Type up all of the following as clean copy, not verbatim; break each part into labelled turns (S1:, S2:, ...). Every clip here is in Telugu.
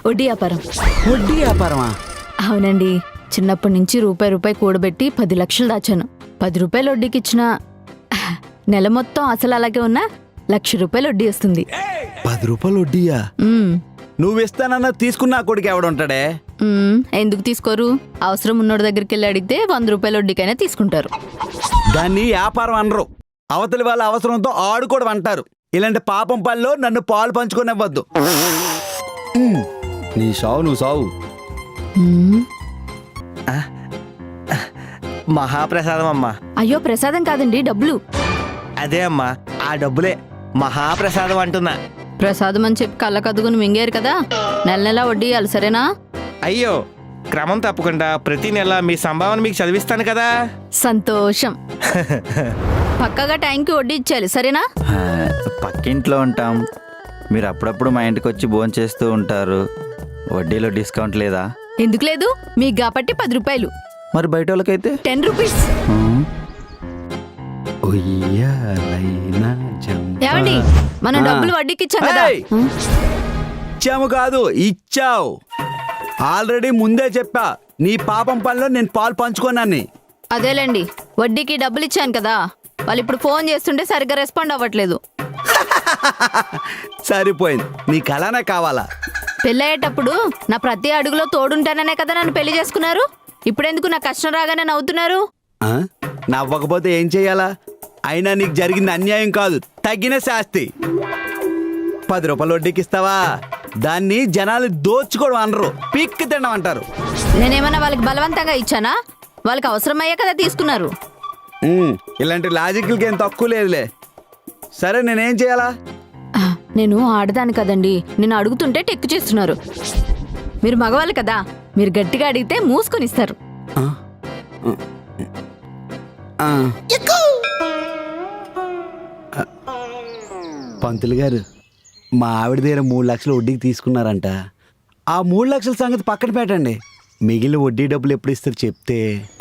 S1: వడ్డీ వ్యాపారం.
S2: వడ్డీ వ్యాపారమా?
S1: అవునండి, చిన్నప్పటి నుంచి రూపాయి కూడబెట్టి 10 లక్షలు దాచాను. 10 రూపాయలు వడ్డీకి ఇచ్చిన నెల మొత్తం అసలు అలాగే ఉన్నా ₹1,00,000 వడ్డీ వస్తుంది.
S2: 10 రూపాయలు వడ్డీయా? నువ్వు ఇస్తానన్నా తీసుకున్నా కొడుకు ఎవడుంటాడే?
S1: ఎందుకు తీసుకోరు? అవసరం ఉన్నోడి దగ్గరికి వెళ్ళి అడిగితే 100 రూపాయల వడ్డీకైనా తీసుకుంటారు.
S2: దాన్ని వ్యాపారం అనరు, అవతలి వాళ్ళ అవసరంతో ఆడుకోవడం అంటారు. ఇలాంటి పాపం పనిలో నన్ను పాలు పంచుకోనివ్వద్దు. నీ సావు నువ్వు సావు.
S3: మహాప్రసాదం అమ్మా.
S1: అయ్యో, ప్రసాదం కాదండి, డబ్బులు.
S3: అదే అమ్మా, ఆ డబ్బులే మహాప్రసాదం అంటున్నా.
S1: ప్రసాదం అని చెప్పి కళ్ళకద్దుకుని మింగారు కదా, నెల నెలా వడ్డీ ఇవ్వాలి, సరేనా?
S3: అయ్యో, క్రమం తప్పకుండా ప్రతి నెల మీ సంభావన మీకు చదివిస్తాను కదా.
S1: సంతోషం. పక్కగా టైంకి వడ్డీ ఇచ్చేయాలి, సరేనా?
S4: పక్కింట్లో ఉంటాం, మీరు అప్పుడప్పుడు మా ఇంటికి వచ్చి భోంచేస్తూ ఉంటారు. వడ్డీలో డిస్కౌంట్ లేదా?
S1: ఎందుకు లేదు, మీకు కాబట్టి 10 రూపాయలు.
S4: మరి బయట వాళ్ళకైతే
S1: 10 రూపీస్. ఏమండి, మనం డబ్బులు వడ్డీకి ఇచ్చాం కదా.
S2: ఇచ్చాము కాదు, ఇచ్చావు. ఆల్రెడీ ముందే చెప్పా, నీ పాపం పనిలో నేను పాలు పంచుకోనని.
S1: అదేలేండి, వడ్డీకి డబ్బులు ఇచ్చాను కదా, వాళ్ళు ఇప్పుడు ఫోన్ చేస్తుంటే సరిగ్గా రెస్పాండ్ అవ్వట్లేదు.
S2: సరిపోయింది, నీకు అలానే కావాలా?
S1: పెళ్ళయ్యేటప్పుడు నా ప్రతి అడుగులో తోడుంటాననే కదా నన్ను పెళ్లి చేసుకున్నారు. ఇప్పుడెందుకు నా కష్టం రాగానే నవ్వుతున్నారు?
S2: నవ్వకపోతే ఏం చెయ్యాలా? అయినా నీకు జరిగింది అన్యాయం కాదు, తగిన శాస్తి. 10 రూపాయలు వడ్డీకి ఇస్తావా? దాన్ని జనాలు దోచుకోవడం అనరు, పిక్కి తినడం అంటారు.
S1: నేనేమన్నా వాళ్ళకి బలవంతంగా ఇచ్చానా? వాళ్ళకి అవసరమయ్యే కదా తీసుకున్నారు.
S2: ఇలాంటి లాజిక్లకి ఏం తక్కువ లేదులే. సరే, నేనేం చేయాలా?
S1: నేను ఆడదాను కదండి, నేను అడుగుతుంటే టెక్కు చేస్తున్నారు. మీరు మగవాళ్ళు కదా, మీరు గట్టిగా అడిగితే మూసుకొని ఇస్తారు.
S2: పంతులు గారు, మా ఆవిడ దగ్గర 3 లక్షలు వడ్డీకి తీసుకున్నారంట. ఆ 3 లక్షల సంగతి పక్కన పెట్టండి, మిగిలిన వడ్డీ డబ్బులు ఎప్పుడు ఇస్తారు చెప్తే.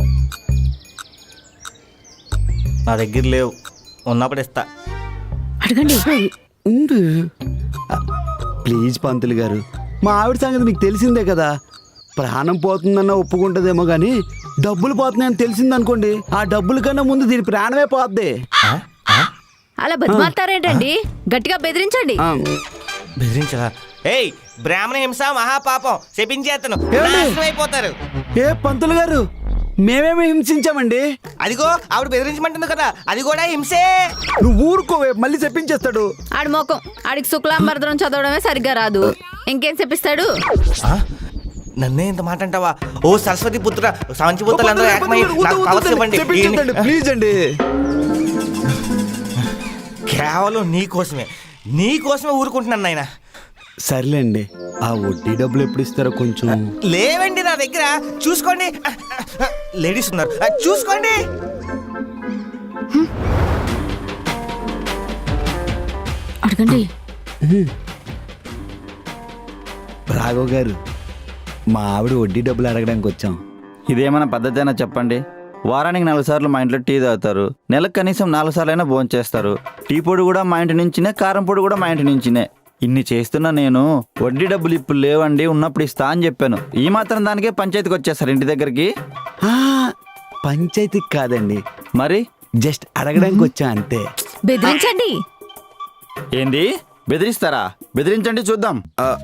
S3: నా దగ్గర లేవు, ఉన్నప్పుడు ఇస్తా.
S1: అడగండి.
S2: ప్లీజ్ పంతులు గారు, మా ఆవిడ సంగతి మీకు తెలిసిందే కదా. ప్రాణం పోతుందన్న ఒప్పుకుంటుందేమో కానీ డబ్బులు పోతున్నాయని తెలిసిందనుకోండి, ఆ డబ్బుల కన్నా ముందు దీని ప్రాణమే పోద్ది.
S1: అలా బతిమాలుతారేంటండి? గట్టిగా బెదిరించండి.
S3: బెదిరించరా? ఏయ్, బ్రాహ్మణ హింస మహాపాపం, శపించేతను అయిపోతారు.
S2: ఏ పంతులు గారు, మేమేమి హింసించామండి?
S3: అదిగో ఆవిడ బెదిరించమంటుంది కదా, అది కూడా హింసే.
S2: నువ్వు ఊరుకోవే, మళ్ళీ చెప్పించేస్తాడు.
S1: ఆడి మోకం, ఆడికి శుక్లాంబరదనం చదవడమే సరిగ్గా రాదు, ఇంకేం చెప్పిస్తాడు?
S3: నన్నే ఇంత మాట అంటావా? ఓ సరస్వతి పుత్ర, సంచిపుత్రులందరూ ఏకమై నాకు పవర్స్ ఇవ్వండి.
S2: ప్లీజ్ అండి.
S3: కేవలం నీకోసమే ఊరుకుంటున్నాను నాయన.
S2: సర్లేండి, ఆ వడ్డీ డబ్బులు ఎప్పుడు ఇస్తారో కొంచెం.
S3: లేవండి నా దగ్గర, చూసుకోండి. లేడీస్ ఉన్నారు, చూసుకోండి.
S1: అడగండి.
S2: రాఘవ్ గారు, మా ఆవిడ వడ్డీ డబ్బులు అడగడానికి వచ్చాం.
S4: ఇదేమైనా పద్ధతి అయినా చెప్పండి? వారానికి 4 సార్లు మా ఇంట్లో టీ తాగుతారు, నెలకు కనీసం 4 సార్లైనా భోజనం చేస్తారు. టీ పొడి కూడా మా ఇంటి నుంచినే, కారం పొడి కూడా మా ఇంటి నుంచినే. ఇన్ని చేస్తున్నా నేను వడ్డీ డబ్బులు ఇప్పుడు లేవండి, ఉన్నప్పుడు ఇస్తా అని చెప్పాను. ఈ మాత్రం దానికే పంచాయతీకి వచ్చేస్తారు ఇంటి దగ్గరికి.
S2: పంచాయతీకి కాదండి,
S4: మరి
S2: జస్ట్ అడగడానికి వచ్చా అంతే.
S1: బెదిరించండి.
S4: ఏంది బెదిరిస్తారా? బెదిరించండి చూద్దాం.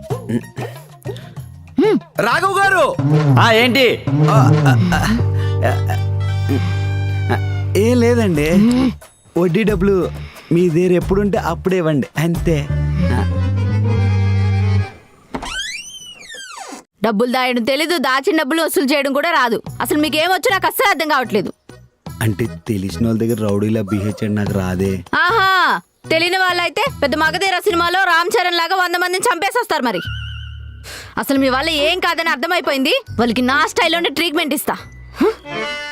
S2: రాఘవ్ గారు,
S4: ఏంటి?
S2: ఏం లేదండి, వడ్డీ డబ్బులు మీ దగ్గర ఎప్పుడుంటే అప్పుడే ఇవ్వండి అంతే.
S1: డబ్బులు దాయడం తెలీదు, దాచిన డబ్బులు వసూలు చేయడం కూడా రాదు. అసలు మీకేమొచ్చు నాకు అస్సలు అర్థం కావట్లేదు.
S2: అంటే తెలిసిన వాళ్ళ దగ్గర రౌడీలా బిహేవ్ చేయడం నాకు రాదే.
S1: ఆహా, తెలియని వాళ్ళైతే పెద్ద మగధీర సినిమాలో రామ్ చరణ్ లాగా 100 మందిని చంపేసి వస్తారు. మరి అసలు మీ వల్ల ఏం కాదని అర్థమైపోయింది. వాళ్ళకి నా స్టైల్లోనే ట్రీట్మెంట్ ఇస్తా.